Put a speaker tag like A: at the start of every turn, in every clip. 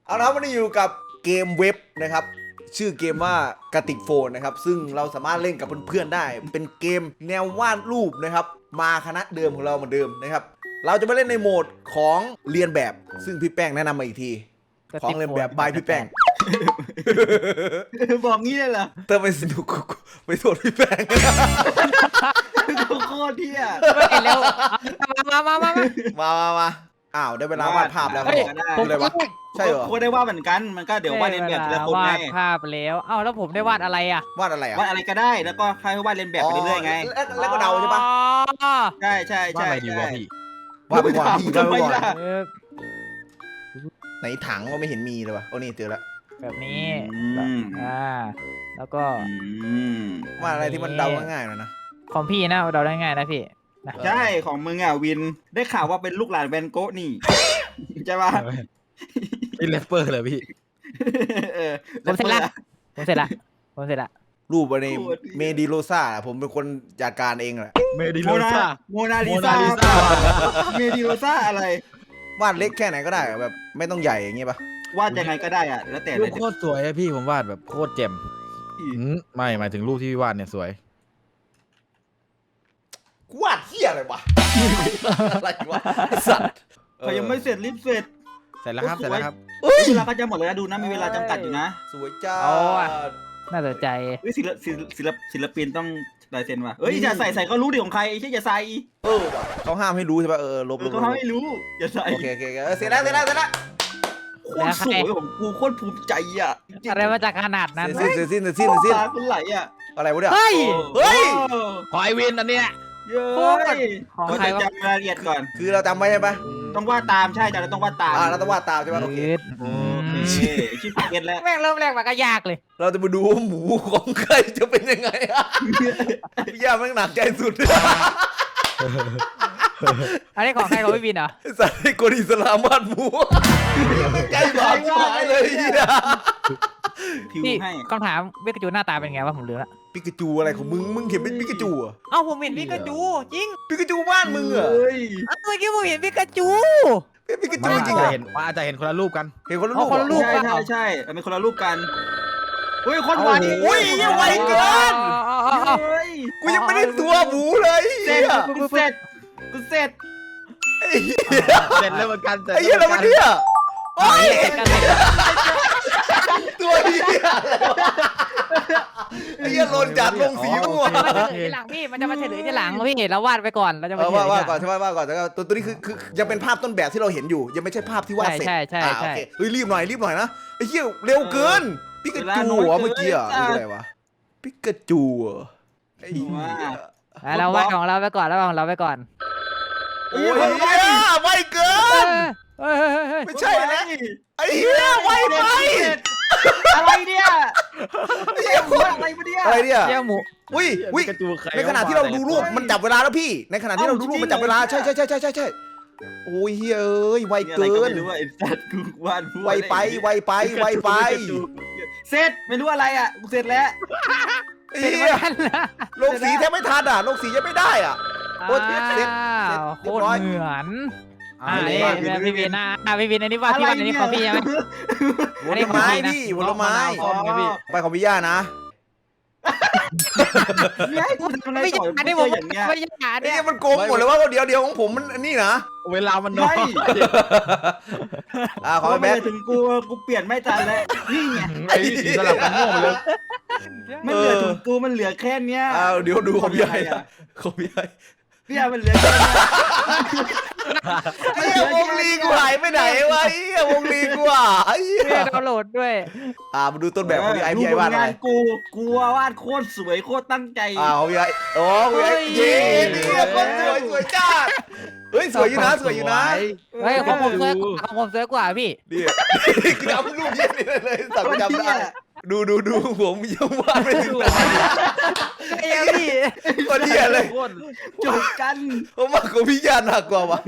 A: เอาละวันนี้อยู่กับเกมเว็บนะครับชื่อเกมว่ากระติกโฟนนะครับซึ่งเราสามารถเล่นกับเพื่อนๆได้เป็นเกมแนววาดรูปนะครับมาคณะเดิมของเราเหมือนเดิมนะครับเราจะมาเล่นในโหมดของเรียนแบบซึ่งพี่แป้งแนะนำมาอีกทีของเรียนแบบบายพี่แป้ง
B: บอกงี้เลยเหรอ
A: เติมไปสนุกไปโทษพี่แป้ง
B: โคตรเที่ย
C: เร็ว
A: มาอ้าวได้เวลาวาดภาพแล้วครับ
C: ผม
A: อะไรวะใช่เหรอ
B: โคตรได้ว่าเหมือนกันมันก็เดี๋ยววาดเลียนแบบแต่ละคน
C: วา
B: ไง
C: ดภาพแล้วเอ้าแล้วผมได้วาดอะไรอ่ะ
A: วาดอะไรอ่ะ
B: วาดอะไรก็ได้แล้วก็ใครวาดเลียนแบบไปเรื่อยๆไง
A: แล้วก็เดาใช่ปะ
C: อ๋อ
B: ใช่ใช่
D: ว่า
B: ใช่
D: อะไรดีวะพี่
A: วาดไปก่อนพี่วาด
B: ทำ
A: ไป
B: ไม
A: ก่อน
B: ล่ะ
C: เออ
A: ไหนถังก็ไม่เห็นมีเลยวะโอ้นี่เจอแล้ว
C: แบบนี้
B: อืม
C: แล้วก็
A: วาดอะไรที่มันเดาง่ายๆหน่อยนะ
C: ของพี่นะเราได้ง่ายนะพี่นะ
B: ใช่ของมึงอ่ะวินได้ข่าวว่าเป็นลูกหลานแวนโกะนี่ใช่ปะ
D: นี่แรปเปอร์เลยพี่
B: เออ
C: ผมเสร็จละผมเสร็จละ
A: รูปอันนี้เมดิโลซ่าผมเป็นคนจัดการเองแหละ
D: เมดิ
B: โม
D: โล
B: นา
D: ซ่า
B: โมนาลิ
D: โม
B: ซา
D: นาลิซ่า
B: เมดิโลซ่าอะไร
A: วาดเล็กแค่ไหนก็ได้อะแบบไม่ต้องใหญ่อย่างเงี้ยปะ
B: วาดยังไงก็ได้อ่ะแล้วแต่
D: รู
B: เล
D: ป
B: ย
D: โคตรสวยอะพี่ผมวาดแบบโคตรแจ่มไม่หมายถึงรูปที่พี่วาดเนี่ยสวย
A: กูวาดเหี้ยอะไรวะ อะไรวะไอ้สัตว์
B: เขายังไม่เสร็จรีบเสร็จ
D: เสร็จแล้วครับเสร็จแล้วครับ
A: เอ้ย
B: เวลาก็จะหมดเลยนะดูนะมีเวลาจำกัดอยู่นะ
A: สวยจ้า
C: น่าสนใจ
B: เฮ้ยศิลปินต้องลายเซ็นว่ะเอ้ยอย่าใส่ก็รู้ดิของใครไอ้เช่ยอย่าใส่
A: เออว่ะเขาห้ามให้รู้ใช่ปะลบ
B: เขาให้รู้อย่าใส่
A: โอเคเสร็จแล้ว
B: โคตรสวยของกูโคตรภูมิใจอ่ะ
C: อะไรมาจากขนาดนั้น
A: เสร็จสิ้น
B: ตาคุณไหลอ่ะ
A: อะไรวะเนี่ย
C: เฮ้ย
A: เฮ้ย
D: ขอไอวินอันเนี้ย
B: เย้ย
C: ของ
B: ก็
C: ใคร
B: จะ
C: วะ
B: จำรายละเอียดก่อน
A: คือเราจำไว้ใช่ปะ
B: ต้องวาดตามใช่แต่เราต้องวาดตาม
A: เราต้องวาดตามใช่ปะโอเค
B: โอเคชื่อเก็ตแล้ว
C: แม่งเริ่มแรกมาก็ยากเลย
A: เราจะมาดูว่าหมูของใครจะเป็นยังไงอะพี่ย่าแม่งหนักใจสุด
C: อันนี้ของใครของพี่บินเหรอ
A: สัตว์ให้คนอิสลามวาดหมูใจบาดหายเลยเหี้ย
B: พิว
C: พี่
B: ให้
C: คำถามวิกาจูหน้าตาเป็นไงวะผมลืมละ
A: ปิกาจูอะไรของมึงเห็นเป็นปิกาจูอะ
C: เอ้าผมเห็นวิกาจูจริง
A: ปิกาจูบ้านมึงเหรอ
B: เฮ้ย
C: เมื่อกี้ผมเห็นวิกาจู
A: เป็นปิกา
D: มั
A: จู
D: น
A: จริง
D: อาจ
A: เหรอ
D: จะเห็นว่าอาจจะเห็นคนละรูปกัน
A: เห็นคนละ
C: เอา
A: รูป
C: คนละรูป
B: ใช่ใช่เป็นคนละรูปกันเฮ้ยคนวาดนี่
A: โอ้ยยังไวเกิน
B: เฮ้ย
A: กูยังไม่ได้ตัวหมูเลย
B: เสร็จกูเสร็จกูเสร็จ
A: ไอ้เหี้ย
D: เสร็จแล้วเหมือนกัน
A: ไอ้เหี้ยอะไรวะเนี่ยโอ้ย
C: เห็นกันเลย
A: ตัวเหี้ยไอ้เหี้ยหล่นจากลงสีมั่ว
C: มันจะเฉลยทีหลังพี่มันจะมาเฉลยทีหลังพี่เราวาดไปก่อนเราจะมาเฉลย
A: ว่า
C: ทีหลัง
A: ก่อนใช่ไหมว่าก่อนแต่ตัวนี้คือยังเป็นภาพต้นแบบที่เราเห็นอยู่ ยังไม่ใช่ภาพที่วาดเสร็จ
C: ใช่
A: โอเคเฮ้ยรีบหน่อยนะไอ้เหี้ยเร็วเกินปิกาจูเหรอเมื่อกี้อ่ะอะไรวะปิกาจูไอ้เหี้ย
C: เราวาดของเราไปก่อนแล้วของเราไปก่อน
A: โอ้ยไวเกิน ไม่ใช่แล้วไอ้เหี้ยไวไป
B: อะไรเนี่ย
A: ไอ้เหี้ย
B: อะไรมาเนี่ย
A: อะไรเนี่ย
C: เจ้าหมู
A: อุ้ย
D: กระจูใคร
A: ในขณะที่เราดูรูปมันจับเวลาแล้วพี่ ในขณะที่เราดูรูปมันจับเวลาใช่โอ้ยเฮ้ยเอ้ยไวเกิน
B: ไม่รู้ว่าไอ้สัตว์กูวาด
A: ไวไป
B: เสร็จไม่รู้อะไรอ่ะกูเสร็จแล้ว
A: ไอ้เหี้ยลงสีแทบไม่ทันอ่ะลงสียังไม่ได้อ่ะ โอ้ยเสร็จ
C: โค
A: เรีย
C: ต
A: บ
C: ร
A: ร้อย
C: เหมือน
A: เรียบร้อย
C: พี่บินพี่บินอันนี้วาดพี่วาดอันนี้ของพี่ใช่ไหม
A: ผลไม้พี่ผลไม้ ไปของพี่ย่านะ
B: เนี่ยให้กูทำอะไร
C: ไม่
B: ต่
C: ใช่
B: อ
C: อันนี้
B: กู
C: ผม
B: เจออย่างเงี้ย
C: ไม่ใช่อัน
A: ไอ้
C: นี้
A: เหี้ยมันโกงหมดเลยว่าเดี๋ยวของผมมันนี่นะ
D: เวลามันน้อย
A: ขอไปแบ๊ก
B: ถึงกูเปลี่ยนไม่ทันแล้วนี่ไง
D: ไอ้พี่สีสลับกันโง่หมดเลย
B: มันเหลือถึงกูมันเหลือแค่เนี้ย
A: เดี๋ยวดูของพี่ย่าของพี่ย่า
B: พี่อามันเหลือแค่เนี้ย
A: ไอ้เหี้ยวงลีกูหายไปไหนวะไอ้เหี้ยวงลีกูอ่ะไอ้เหี้ย
C: เพื่อดาวน์โหลดด้วย
A: มาดูต้นแบบของพี่ไอพี่ไอวาดอะไร
B: กูวาดโคตรสวยโคตรตั้งใจ
A: ของพี่ไอพี่ไอเย้เนี่ยคนสวยจ้าเฮ้ยสวยอยู่นะ
C: เฮ้ยของผมสวยกว่าพี่
A: นี่จำรูปเยี่ยนี่เลยสั่งจำได้ดูผมยังวาดไม่ถึงไหน
C: เอ้ยพี่
A: คนเหี้ยเลย
D: โคตร
B: จบกัน
A: ผมว่าของพี่ย่าหนักกว่าวะ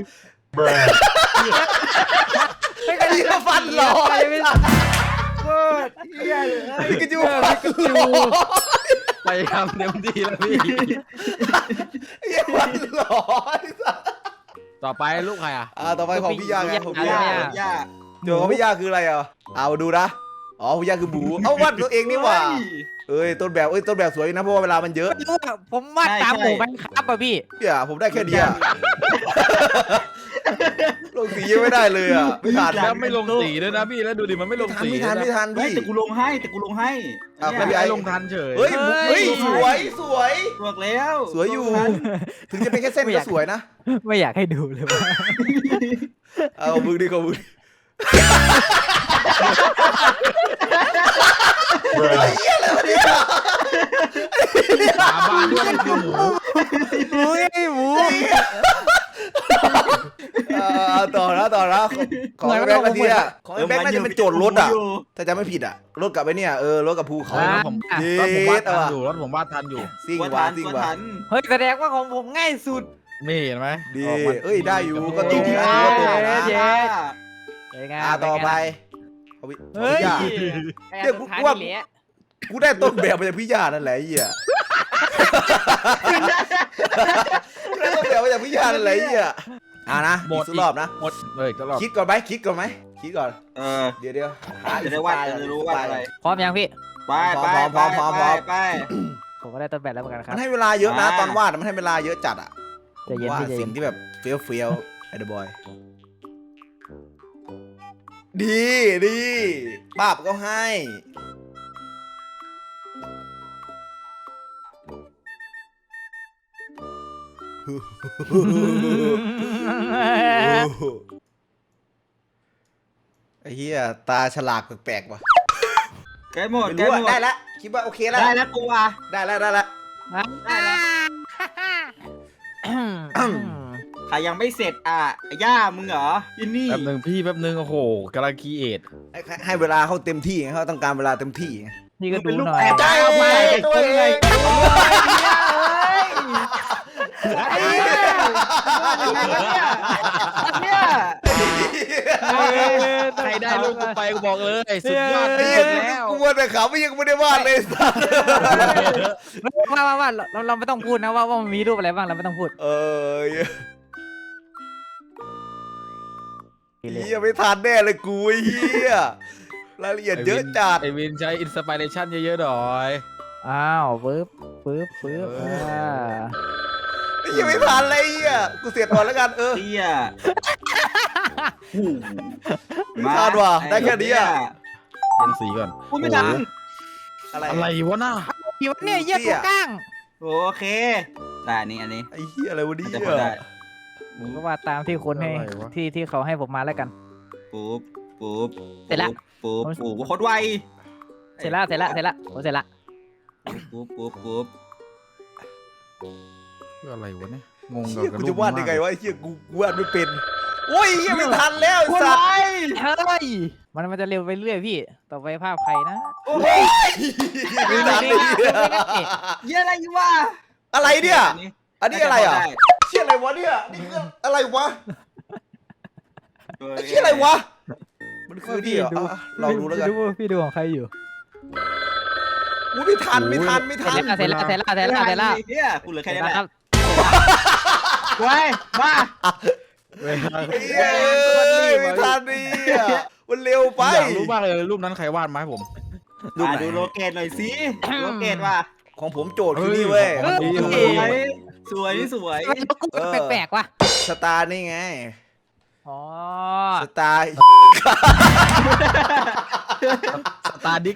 A: ไอ้เหี้ยฟันหล่อ
B: โคตรเฮียเลย
A: พี่กระจูฟันหล่อ
D: ไปทำเต็มที่แล้วพี่
A: ไอ้เหี้ยฟันหล่อ
D: ต่อไปลูกใครอ่ะ
A: ต่อไปของพี่ย่าไงของพี่
B: ย่า
A: ย่า
B: ย่า
A: โจทย์ของพี่ย่าคืออะไรอ่ะเอาดูนะอ๋อพี่ย่าคือหมูเอาวาดตัวเองนี่หว่าเอ้ยต้นแบบสวยนะเพราะว่าเวลามันเยอะ
C: ไม่รู้อะผมวาดตามหมู่บ้านครับอ่ะพี่
A: เนี่ยผมได้แค่นี้อ่ะลงสียังไม่ได้เลยอ่ะไม่ทัน
D: แล้วไม่ลงสีด้วยนะพี่แล้วดูดิมันไม่ลงสี
A: ไม่ทัน
D: พี่
B: แต่กูลงให้
A: อ่ะ
B: เนี่ย
A: พี่
D: ไอ้ลงทันเฉย
A: เฮ้ยสวยสวย
B: บอกแล้ว
A: สวยอยู่ ถึงจะเป็นแค่เส้นก็สวยนะ
C: ไม่อยากให้ดูเลยว่า
A: เอามือดิของมือเฮียอะไรวะเนี่ย
D: สาบานด้วยมันคือหมู
C: อุ้ยหมู
A: ต่อนะของแบงค์นาทีอ่ะของแบงค์น่าจะเป็นโจทย์รถอ่ะถ้าจำไม่ผิดอ่ะรถกับไอ้เนี่ยรถกับภูเขา
D: รถผมวาดทันอยู่รถผมวาดทันอยู่
A: ซิ่ง
B: ว่า
A: ว่ะ
B: ทัน
A: ซิ่ง
B: ว่า
A: ว่ะ
B: ทัน
C: เฮ้ยแสดงว่าของผมง่ายสุด
D: นี่เห็นไหม
A: ดี
D: ออกมา
A: เอ้ยได้อยู่ก็ตรงนะถือว่าตรงนะ
C: เย้ เป็นไง
A: ต่อไป
C: เฮ้ย
A: เดี๋ยวกูได้ต้นแบบมาจากพี่ยานั่นแหละไอ้เหี้ยได้ต้นแบบมาจากพี่ยานั่นแหละไอ้เหี้ยนะอีกสักรอบนะ
D: หมดเลยก็รอบ
A: คิดก่อนไหมคิดก่อน เดี๋ยว
B: จะได้ว่าจะรู้ว่าอะไร
C: พร้อมยังพี่
B: ไป
C: ผมก็ได้ต้นแบบแล้วเหมือนกันครั
A: มั
C: บ
A: นให้เวลาเยอะนะตอนวาดมันให้เวลาเยอะจัดอ่ะ
C: ใจเย็น
A: ว่า
C: พี่ใจเย็
A: สิ่
C: น
A: งที่แบบเฟี้ยวไอ้เดอะบอยดีป้าบก็ให้ ไอ้เหี้ยตาฉลากแปลกๆว่ะ
B: ใกล้หมด
A: ไม่รู้อะได้แล้วคิดว่าโอเคแล้ว
B: ได้แล้วกูอ่ะ
A: ได้แล้ว
B: ใครยังไม่เสร็จอ่ะย่ามึงเหรอยินนี่
D: แป๊บนึงโอ้โหกำลังคีเอท
A: ให้เวลาเขาเต็มที่ไงเขาต้องการเวลาเต็มที่ไง
C: นี่ก็ดูหน่อย
A: ใจตัวเอง
B: เนี่ย
D: ใครได้ลูกกูไปกูบอกเลยสุดยอด
A: ไอ้
D: ที่
A: เหี้
D: สุ
A: ย
D: ดแล้ว
A: กูมัวแต่ขำไม่ยังไม่ได้วาดเลยสัส
C: ว่าเราไม่ต้องพูดนะว่ามันมีรูปอะไรบ้างเราไม่ต้องพูด
A: เหี้ยไม่ทันแน่เลยกูไอ้เหี้ยรายละเอียดเยอะจัด
D: ไอวินใช้อินสปิเรชันเยอะๆหน่อย
C: อ้าวปึ๊บ
A: ไอ้เหี้ยไม่ทันเลยไอ้เหี้ยกูเสียก่อนแล้วกัน
B: เตี้ย
A: ไม่ทันว่ะได้แค่นี้อ่ะ
D: เขียนสีก่อน
B: กูไม่ทัน
A: อะไร
D: อะไรวะน่ะ
C: ผิวเนี่ยเยี่ยตัวก้าง
B: โอเคแต่อันนี้
A: ไอ้เหี้ยอะไรวะเนี่
B: จะพอได้
A: ย
C: ผมก็ว่าตามที่คนให้ที่เขาให้ผมมาแล้วกัน
B: ปุ๊บ
C: เสร็จละ
B: ปุ๊บโคตรไว
C: เสร็จแล้วผมเสร็จละ
B: ปุ๊บ
D: คืออะไรวะเนี่ยงง
A: เหี้ย
D: กับ
A: กู
D: รู
A: จะ
D: ป
A: วาดยังไงวะไอ้เหี้ยกูวาดไม่เป็นโอ้ยเหี้ยไม่ทันแล้วไอ้
B: โคตร
A: สัส
B: ไว
C: เฮ้ยมันจะเร็วไปเรื่อยพี่ต่อไปภาพใครนะ
B: โอ้ย
A: ไม่ทันเลยเหี้ย
B: เยี่ยอะไรวะ
A: อะไรเนี่ยอันนี้อะไรอ่ะเชี่ยอะไรวะเนี่ยนี่คืออะไรวะไอ้เชี่ยอะไรวะมันคือนี่เหรอลองดูแล้วกัน
C: พี่ดูของใครอยู่
A: อุ้ยไม่ทัน
C: เสร็จแล้ว
B: เนี่ยกูเหลือแค่นี้แหละ
C: ครับ
B: ไว้มา
D: เวลา
A: เฮ้ยไม่ทันนี่มันเร็วไป
D: อยากรู้มากเลยรูปนั้นใครวาดมาให้ผม
B: ดูโลเกตหน่อยสิโลเกตว่ะ
A: ของผมโจทย์คือนี่เว้ย
B: สวย
C: กูแปลกๆว่ะ
A: สตาร์นี่ไง
C: อ๋อ
A: สตาร์
D: สตาร์ดิก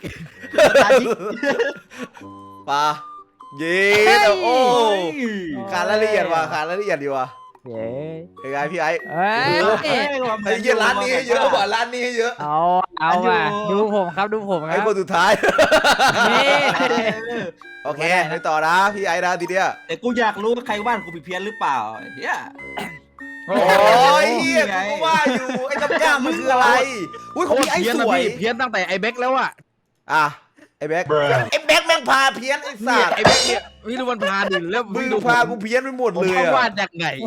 A: ปลาเย้โอ้ขาดรายละเอียดอยู่ว่ะ
C: เย้
A: เป็นไงพี่ไอ้
C: เฮ้ย
A: ไอ้เหี้ยร้านนี้ให้เยอะว่ะร้านนี้ให้เยอะ
C: เอาว่ะดูผมครับดูผมค
A: ไอ้
C: รับ
A: คนสุดท้าย
C: นี่
A: โอเคไปต่อนะพี่ไอ้นะทีเดียว
B: แต่กูอยากรู้ว่าใครว่านกูผิดเพี้ยนหรือเปล่าเฮีย
A: โอ้ยเฮียกูก็ว่าอยู่ไอ้จำย่ามมันคืออะไรอุ้ยของพี่ไอ้
D: เพี้ยน
A: ส
D: นะ
A: วย
D: พี่เพี้ยนตั้งแต่ไอเบ็กแล้วอะ
A: อ่ะไอ้แบ็คแม่งพาเพี้ยนไอ้สั
D: เนี่ย
A: ตว์
D: ไอเบ็กเนี่ยพี่ดูมันพาดิแล้ว
A: มึง
D: ดู
A: พากูเพี้ยนไปหมด
D: ผม
A: เลย
D: เขา
A: อะ
D: วาดจากไง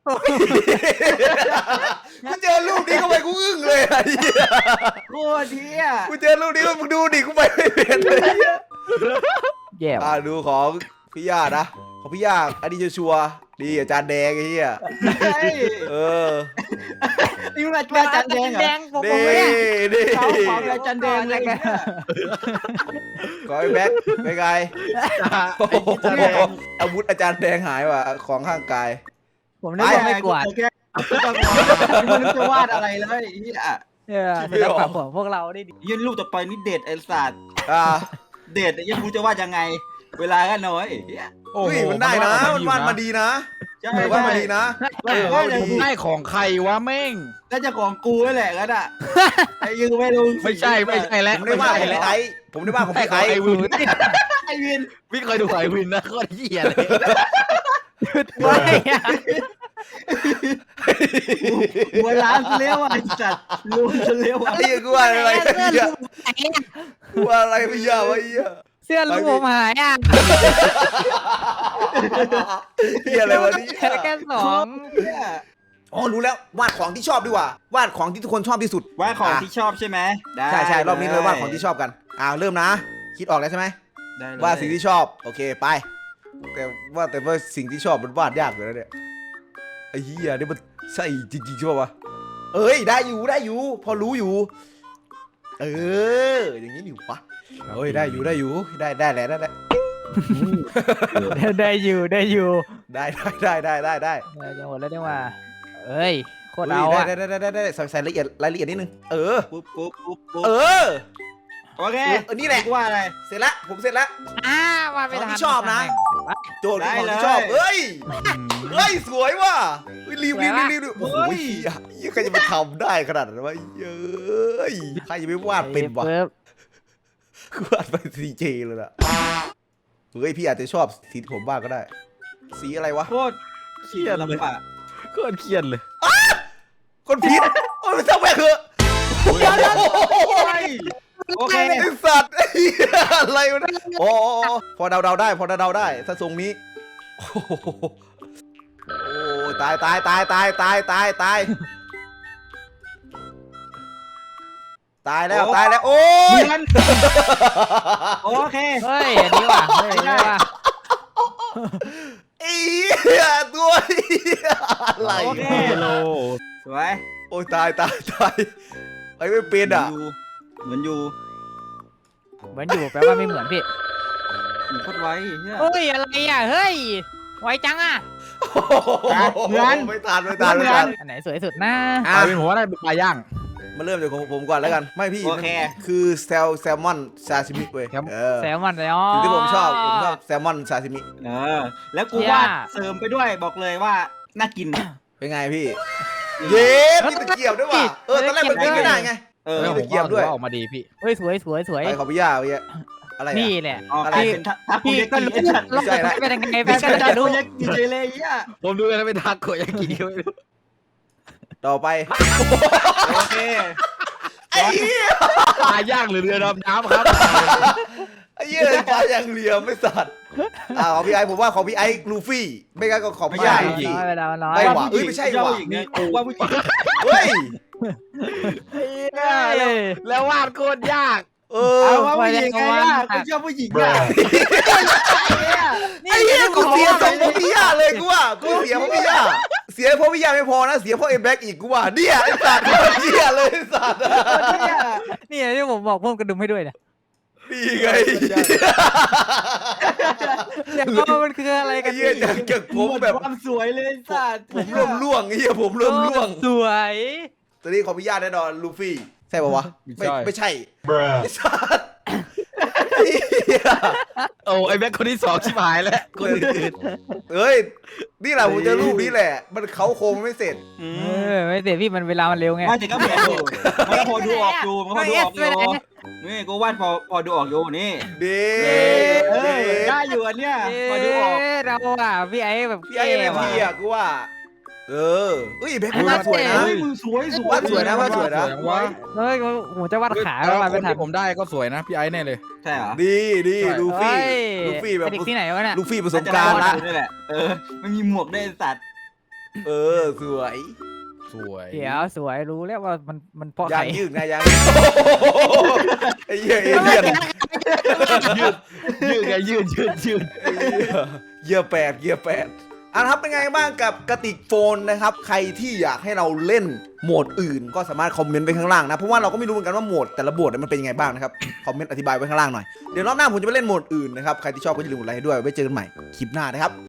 A: กูเจอรูปนี้เข้าไปกูอึ้งเลยไอ้เหี้ย
B: โคตรเฮีย
A: กูเจอรูปนี้มึงดูดิกูไปไม่เป็นเลย
C: แย่
A: ดูของพี่ย่านะของพี่ย่าอันนี้จะชัวร์ดีอาจารย์แดงไอ้เหี้ยเออ
B: นี่มันอาจารย์แดงเหรอ
C: แดงผม
A: นี่
C: เนี่ย
A: นี่
B: เขาขอเป็นอาจารย์แดงเลย
A: ขอไอ้แบ็คไปไกล
D: ไอ้ที่จะแดง
A: อาวุธอาจารย์แดงหายว่ะของข้างกาย
C: ผมนึกว่าไม่กวาด
B: แค่มันจะวาดอะไรเลยอ่ะ
C: ศิลปะของพวกเราได้ดี
B: ยื่นรูปต่อไปนี่เด็ดไอ้สัตว์
A: อ่า
B: เด็ดยังรู้จะวาดยังไง เวลาก็น้อย
D: โอ้
A: เฮ้ย
D: โห
A: มันได้นะมันวาดมาดีนะ
B: ใช่
A: มันวาดมาดีนะ
B: ว่าจะ
D: ได้ของใครวะแม่ง
B: น่าจะของกูนั่นแหละกันอ่ะไอ้ยืนไม่รู้
D: ไม่ใช่แล้ว
A: ผมได้วาดของพี่ไอ้ผมได้วาดของ
D: ไอ้
A: พี่
D: ไอ้
A: ไอ้
D: วิน
B: ไอ้วิน
D: พี่เคยดูไอ้วินนะโคตรเหี้ยเลย
C: ไม่อะ
B: หัวล้านเลี้ยวไอ้สัตว์รู้จะเลี้ยว
A: ไอ้เหี้ยกูว่าอะไรเหี้ยกูว่าอะไรไม่ยากวะไอ้เหี้ย
C: เสื้อลูกผมหายอ่ะ
A: เหี้ยอะไรวะนี่
C: แค่สอง
A: อ๋อรู้แล้ววาดของที่ชอบดีกว่าวาดของที่ทุกคนชอบที่สุด
B: ว่าของที่ชอบใช่ไหมได้
A: ใช่รอบนี้เลยวาดของที่ชอบกันเริ่มนะ คิดออกแล้วใช่ไหม
B: ได้เลย
A: วาดสิ่งที่ชอบโอเคไปแต่ว่าสิ่งที่ชอบมันวาดยากอยู่แล้วเนี่ยไอ้เหี้ยนี่มันใช่จริงๆใช่ป่าวะเอ้ยได้อยู่พอรู้อยู่อย่างนี้อยู่ปะเอ้ยได้อยู่ได้แหละได้
C: ได้อยู่
A: ได้
C: จังหวะแล้วได้ว่าเอ้ยโคตรเอาอ่ะ
A: ได้ใส่รายละเอียดนิดนึงปุ๊บ
B: ปุ๊บโอเค
A: นี่แหละ
B: ว่าอะไร
A: เสร็จแล้วผมเสร็จแล้ว
C: มาไม่ทัน
A: ของที่ชอบนะ โจทย์คือของที่ชอบ
B: ได้เลย
A: เฮ้ยสวยว่ะรีบโอ้โห
B: เฮ้ย
A: ใครจะมาทำได้ขนาดนั้นวะเย้ยใครจะไปวาดเป็นวะวาดไปซีเจเลยล่ะเฮ้ยพี่อาจจะชอบสีที่ผมวาดก็ได้ สีอะไรวะ
B: โคตรเขียนลำบาก
D: โคตรเครียดเลย
A: คนผิดโอ้ยไม่ต้องแม่งเหอะ
B: โอเค
A: ไอ้สัตว์ไอ้เหี้ยอะไรวะเนี่ยโอ้พอเดาได้ถ้าทรงนี้โอ้โหตายแล้วโอ้ย
B: เหมือนโอเค
C: เฮ้ยอันนี้ว่ะเฮ้ยอันนี้ว่ะ
A: ไอ้เหี้ยตัวเหี้ยอะไร
B: โอเค
D: โล
B: สวย
A: โอ้ยตายไปไม่เป็นอ่ะ
B: เหมือนอยู่
C: เหมือนอยู่แปลว่าไม่เหมือนพี่
B: โคตรไวเนี่ย
C: เฮ้ยอะไรอ่ะเฮ้ยไวจังอ่ะ
B: เหมือน
A: ไม่ทัน
C: อันไหนสวยสุดนะ
D: เอาเป็นหัวได้เป็นปลาย่าง
A: มาเริ่มจากของผมก่อนแล้วกันไม่พี่
B: โอเค
A: คือแซลมอนซาซิมิเว้ย
C: แซลมอนเลยอ๋อ
A: สิ่งที่ผมชอบแซลมอนซาซิมิ
B: แล้วกูวาดเสริมไปด้วยบอกเลยว่าน่ากิน
A: เป็นไงพี่ เย้มีตะเกียบด้วยว่ะตอนแรกมันกินไม่ได้ไง
D: แล้วผมก็ถือว่าออกมาดีพี่
C: เฮ้ยสวย
A: ไปขอพี่ย่าไปอะไร
C: นี่แหละ
A: อะไร
B: เป็นทัก
C: พี่
B: ยา
C: ก็
B: กิ
C: รู้
A: ไม่ใช่ละ
C: เป็นยังไง
B: เป็
C: พี่
B: น
C: ก็จะรู้
B: ยากิเจเลยอ่ะ
D: ผมดูแล้วเป็นทาโกยากิก็ไม่รู้
A: ต่อไป
B: โอเค
A: ไอ้เหี้ย
D: ปลาย่างหรือเรือดำน้ำครับ
A: ไอ้เหี้ยปลาอย่างเหลี่ยมไม่สัตว์ของพี่ไอ้ผมว่าของพี่ไอ้ลูฟี่ไม่งั้นก็ของพี่ย่า
C: น้อยไปแล้วน้อย
A: ไม่หว่ะเอ้ยไม่ใช่ว่ะ
B: ผู้หญิงเนี่ยว่าผู้หญิง
A: เฮ้ย
D: แล้ววาดโคตรยาก
B: เอาว่าผู้หญิงไงล่ะกูชอบผู้หญิงอ่ะ
A: ไอ้เหี้ยกูเสียสองพ่อพี่ย่าเลยกูว่ากูเสียพ่อพี่ย่าเสียพ่อพี่ย่าไม่พอนะเสียพ่อเอ็มแบ็กอีกกูว่าเนี่ยไอ้สัตว์เหี้ยเลยไอ้สัตว์
C: นี่ที่ผมบอกเพิ่มกระดุมให้ด้วยเนี่ย
A: นี่ไง
C: อยากรู้ว่ามันคืออะไร
A: ไอ้
C: กัน
A: เหี้ยจากผมแบบ
B: ความสวยเลยสัตว์
A: ผมเริ่มล่วงไอ้เหี้ยผมเริ่มล่วง
C: สวย
A: ตอนนี้ของพี่ย่าแน่นอนลูฟี่ใช่ป่าวะไม่ใช่ไอ้สัตว์
D: โอ้ไอ้แบ็คคนที่สองชิบหายแล้วคนอื่น
A: เอ้ยนี่แหละผมเจอรูปนี้แหละมันเขาโครงไม่เสร็จ
C: ไม่เสียพี่มันเวลามันเร็วไง
B: ไม่แต่ก็เหมือนอยู่มันก็พอดูออกอยู่มันก็พอดูออกอยู่นี่กูวาดพอดูออกอยู่นี่
A: ดี
B: ได้อยู่อันเนี้ยพอดูออก
C: เราอ่ะพี่ไอ้แบบ
A: พี่ไอ้เอ็มพีอ่ะกูว่าเฮ้ยแบ็คกูวาดสวยนะ
B: เฮ้ยมึงสวย
A: วาดสวยนะวาดสวยนะ
D: ว่า
C: เฮ้ยผมจะวาดขา
D: แล้ว
C: วาด
D: ค
C: ไม่
D: น
C: ทัน
D: ที่ผมได้ก็สวยนะพี่ไอ้แน่เลย
B: ใช่เหรอ
A: ดีลูฟี่แบบ
C: เด็กที่ไหนวะเนี่ย
A: ลูฟี่ประสบการณ์ละ
B: นี่แหละมันมีหมวกได้สัตว์
A: สวย
D: สวย
C: เดี๋ยวสวยรู้แล้วว่ามันเพราะใค
A: ยั
C: รง
A: ยืดไงยังไอ้เหี้ยเอเลี่ยน
D: ยืดไงยืด
A: เกียร์แปดครับเป็นไงบ้างกับกระติกโฟนนะครับใครที่อยากให้เราเล่นโหมดอื่นก็สามารถคอมเมนต์ไว้ข้างล่างนะเพราะว่าเราก็ไม่รู้เหมือนกันว่าโหมดแต่ละโหมดมันเป็นยังไงบ้างนะครับคอมเมนต์อธิบายไว้ข้างล่างหน่อยเดี๋ยวรอบหน้าผมจะไปเล่นโหมดอื่นนะครับใครที่ชอบก็อย่าลืมกดไลค์ให้ด้วยไว้เจอกันใหม่คลิปหน้านะครับ